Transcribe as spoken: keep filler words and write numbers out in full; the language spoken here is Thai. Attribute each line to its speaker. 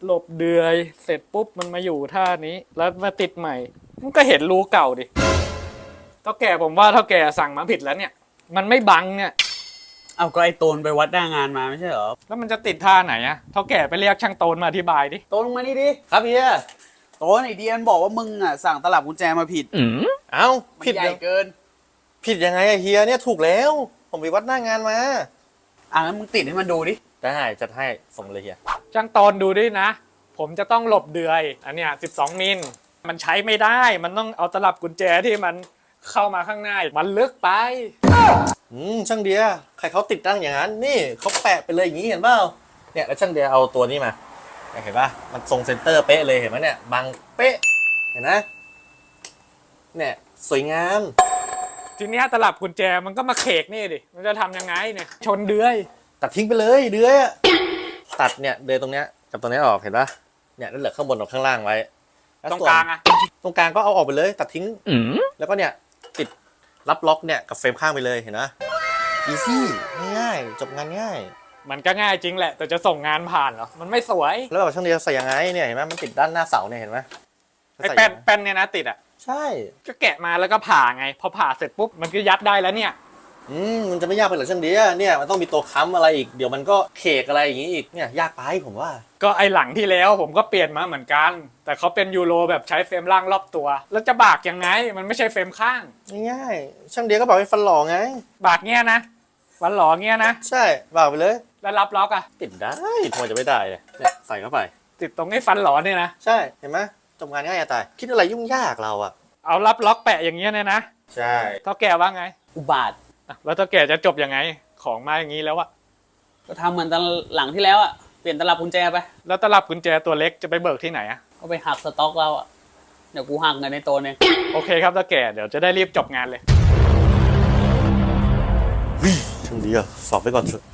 Speaker 1: หลบเดือยเสร็จปุ๊บมันมาอยู่ท่านี้แล้วมาติดใหม่มันก็เห็นรูเก่าดิเท่าแก่ผมว่าเท่าแก่สั่งมาผิดแล้วเนี่ยมันไม่บังเนี่ย
Speaker 2: เอาก็ไอ้โตนไปวัดหน้างานมาไม่ใช่เหรอ
Speaker 1: แล้วมันจะติดท่าไหนอะเท่าแก่ไปเรียกช่างโตนมาอธิบายดิ
Speaker 2: โตนมานี่ดิครับเฮียโตนไอเดียนบอกว่ามึงอ่ะสั่งตลับกุญแจมาผิด
Speaker 3: เอ้า
Speaker 2: ผิดใหญ่เกิน
Speaker 3: ผิดยังไงอะเฮียเนี่ยถูกแล้วผมไปวัดหน้างานมา
Speaker 2: อ่ะงั้นมึงติดให้มันดูดิ
Speaker 3: ได้จัดให้ส่งเลยเฮีย
Speaker 1: ช่างโตนดูดินะผมจะต้องหลบเดือยอันเนี้ยสิบสองมิลมันใช้ไม่ได้มันต้องเอาตลับกุญแจที่มันเข้ามาข้างในมันลึกไป
Speaker 3: อืมช่างเดียใครเขาติดตั้งอย่างนั้นนี่เขาแปะไปเลยอย่างนี้เห็นเปล่าเนี่ยแล้วช่างเดียเอาตัวนี้มาเห็นป่ะมันทรงเซนเตอร์เป๊ะเลยเห็นไหมเนี่ยบังเป๊ะเห็นนะเนี่ยสวยงาม
Speaker 1: ทีเนี้ยตลับกุญแจมันก็มาเขกนี่ดิมันจะทำยังไงเนี่ยชนเดือย
Speaker 3: ตัดทิ้งไปเลยเดือยตัดเนี่ยเดือยตรงเนี้ยกับตรงนี้ออกเห็นป่ะเนี่ยแล้วเหลือข้างบนกับข้างล่างไว้
Speaker 1: ตรงกลางอะ
Speaker 3: ตรงกลางก็เอาออกไปเลยตัดทิ้งแล้วก็เนี่ยติดรับล็อกเนี่ยกับเฟรมข้างไปเลยเห็นไหมอีซี่ง่ายจบงานง่าย
Speaker 1: มันก็ง่ายจริงแหละแต่จะส่งงานผ่านเหรอมันไม่สวย
Speaker 3: แล้วแบบช่างเดียวใส่ยังไงเนี่ยเห็นไหมมันติดด้านหน้าเสาเนี่ยเห็นไหม
Speaker 1: ไอ้แป้นแป้นเนี่ยนะติดอ่ะ
Speaker 3: ใช่
Speaker 1: ก็แกะมาแล้วก็ผ่าไงพอผ่าเสร็จปุ๊บมันก็ยัดได้แล้วเนี่ย
Speaker 3: อืมมันจะไม่ยากไปหรอช่างเดียเนี่ยมันต้องมีตัวค้ำอะไรอีกเดี๋ยวมันก็เคกอะไรอย่างงี้อีกเนี่ยยากไปผมว่า
Speaker 1: ก็ไอหลังที่แล้วผมก็เปลี่ยนมาเหมือนกันแต่เขาเป็นยูโรแบบใช้เฟรมล่างรอบตัวแล้วจะบากยังไงมันไม่ใช่เฟรมข้าง
Speaker 3: ง่ายๆช่างเดียก็บอกให้ฟันหล่อไง
Speaker 1: บากเงี้ยนะฟันหล่อเงี้ยนะ
Speaker 3: ใช่บากไปเลย
Speaker 1: แล้วรับล็อกอะ
Speaker 3: ติดได้ทำไมจะไม่ได้เนี่ยใส่เข้าไป
Speaker 1: ติดตรงไอ้ฟันหล่อเนี่ยนะ
Speaker 3: ใช่เห็นไหมจบงานง่ายจะตายคิดอะไรยุ่งยากเราอะ
Speaker 1: เอารับล็อกแปะอย่างเงี้ยเนี่ยนะ
Speaker 3: ใช่
Speaker 1: เท่าแก่ว่าไง
Speaker 2: อุบาท
Speaker 1: แล้วเท่าแก่จะจบยังไงของมาอย่างนี้แล้วอะ
Speaker 2: ก็ทำเหมือนตอนหลังที่แล้วอะเปลี่ยนตลับกุญแจไป
Speaker 1: แล้วตลับกุญแจตัวเล็กจะไปเบิกที่ไหนอะ
Speaker 2: ก็ไปหักสต็อกเราอะเดี๋ยวกูหักเงินในโตนเอง
Speaker 1: โอเคครับเท่าแก่เดี๋ยวจะได้รีบจบงานเลย
Speaker 3: ช่างดีอะฝากไว้ก่อนเถอะ